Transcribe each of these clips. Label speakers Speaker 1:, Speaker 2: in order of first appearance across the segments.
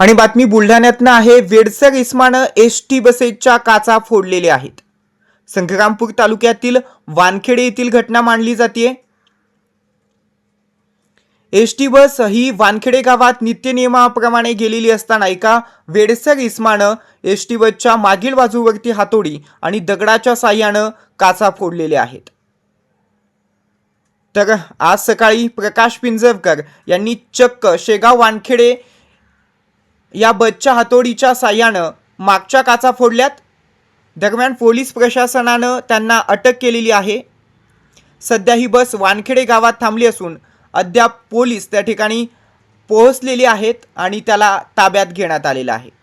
Speaker 1: आणि बातमी बुलढाण्यातनं आहे। वेडसर इस्मानं एसटी बसेसच्या काचा फोडलेल्या आहेत। संग्रामपूर तालुक्यातील वानखेडे येथील घटना मांडली जाते। एसटी बस ही वानखेडे गावात नित्यनियमाप्रमाणे गेलेली असताना एका वेडसर इस्मानं एसटी बसच्या मागील बाजूवरती हातोडी आणि दगडाच्या साह्यानं काचा फोडलेल्या आहेत। तर आज सकाळी प्रकाश पिंजरकर यांनी चक्क शेगाव वानखेडे या बसच्या हातोडीच्या साह्यानं मागच्या काचा फोडल्यात। दरम्यान पोलीस प्रशासनानं त्यांना अटक केलेली आहे। सध्या ही बस वानखेडे गावात थांबली असून अद्याप पोलीस त्या ठिकाणी पोहोचलेले आहेत आणि त्याला ताब्यात घेण्यात आलेलं आहे।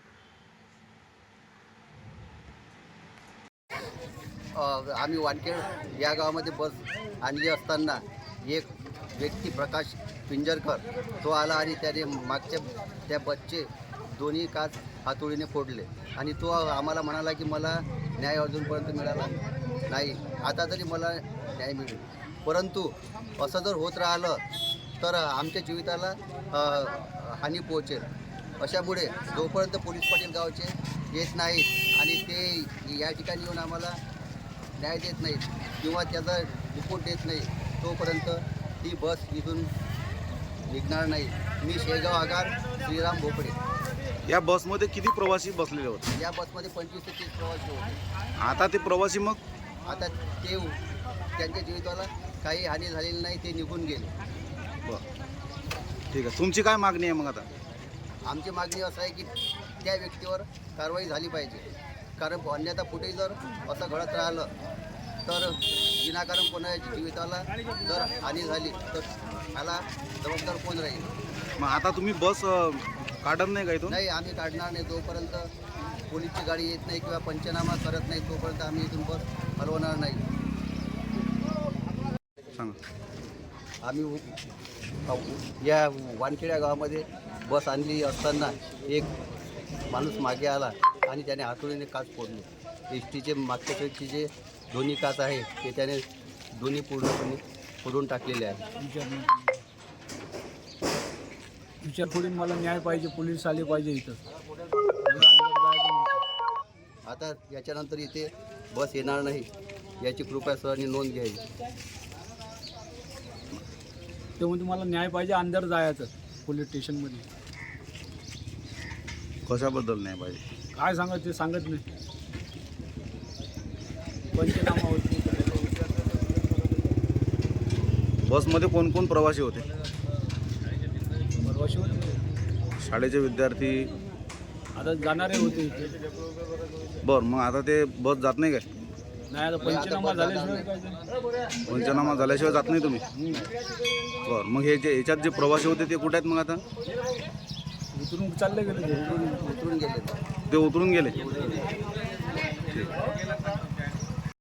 Speaker 2: आम्ही वानखेड या गावामध्ये बस आणली असताना एक व्यक्ती प्रकाश पिंजरकर तो आला आणि त्याने मागच्या त्या बसचे दोन्ही काच हातोडीने फोडले आणि तो आम्हाला म्हणाला की मला न्याय अजूनपर्यंत मिळाला नाही, आता तरी मला न्याय मिळेल। परंतु असं जर होत राहिलं तर आमच्या जीविताला हानी पोहोचेल। अशामुळे जोपर्यंत पोलीस पाटील गावचे येत नाहीत आणि ते या ठिकाणी येऊन आम्हाला न्याय देत नाहीत किंवा त्याचा रिपोर्ट देत नाही तोपर्यंत ती बस इथून निघणार नाही। मी शेगाव आगार श्रीराम भोपडे।
Speaker 3: या बसमध्ये किती प्रवासी बसलेले होते?
Speaker 2: या बसमध्ये 25 ते 30 प्रवासी होते।
Speaker 3: आता ते प्रवासी मग
Speaker 2: आता ते त्यांच्या जीविताला काही हानी झालेली नाही, ते निघून गेले।
Speaker 3: बरं, ठीक आहे। तुमची काय मागणी आहे मग आता?
Speaker 2: आमची मागणी असं आहे की त्या व्यक्तीवर कारवाई झाली पाहिजे, कारण अन्यथा कुठेही जर असं घडत राहिलं तर विनाकारण कोणाच्या जीविताला जर हानी झाली तर त्याला जबाबदार कोण राहील?
Speaker 3: मग आता तुम्ही बस काढत नाही का इथून?
Speaker 2: नाही, आम्ही काढणार नाही। जोपर्यंत पोलीसची गाडी येत नाही किंवा पंचनामा करत नाही तोपर्यंत आम्ही इथून बस हलवणार नाही।
Speaker 3: सांगा।
Speaker 2: आम्ही या वानखेड्या गावामध्ये बस आणली असताना एक माणूस मागे आला आणि त्याने हातोडीने काच फोडली। एस टीचे मागच्या साईडचे जे दोन्ही काच आहे ते त्याने दोन्ही पूर्णपणे फोडून टाकलेले आहे।
Speaker 4: विचारपुढे मला न्याय पाहिजे, पोलीस आले पाहिजे इथं।
Speaker 2: आता याच्यानंतर इथे बस येणार नाही याची कृपया सरांनी नोंद घ्यावी।
Speaker 4: ते म्हणजे मला न्याय पाहिजे, अंदर जायचं पोलीस स्टेशनमध्ये।
Speaker 3: कशाबद्दल नाही पाहिजे?
Speaker 4: काय सांगत ते सांगत नाही, पंचनामा होत नाही।
Speaker 3: बसमध्ये कोण कोण प्रवासी होते?
Speaker 4: परवाशी होते,
Speaker 3: शाळेचे विद्यार्थी
Speaker 4: आता जाणारे होते इथे।
Speaker 3: बरं, मग आता ते बस जात नाही काय?
Speaker 4: नाही, आता पंचनामा झाल्याशिवाय काय ते?
Speaker 3: पंचनामा झाल्याशिवाय जात नाही तुम्ही? बरं, मग हे जे याच्यात जे प्रवासी होते ते कुठे आहेत मग आता?
Speaker 4: उतरून चालले गेले,
Speaker 2: उतरून गेले।
Speaker 3: ते उतरून गेले?
Speaker 2: ठीक।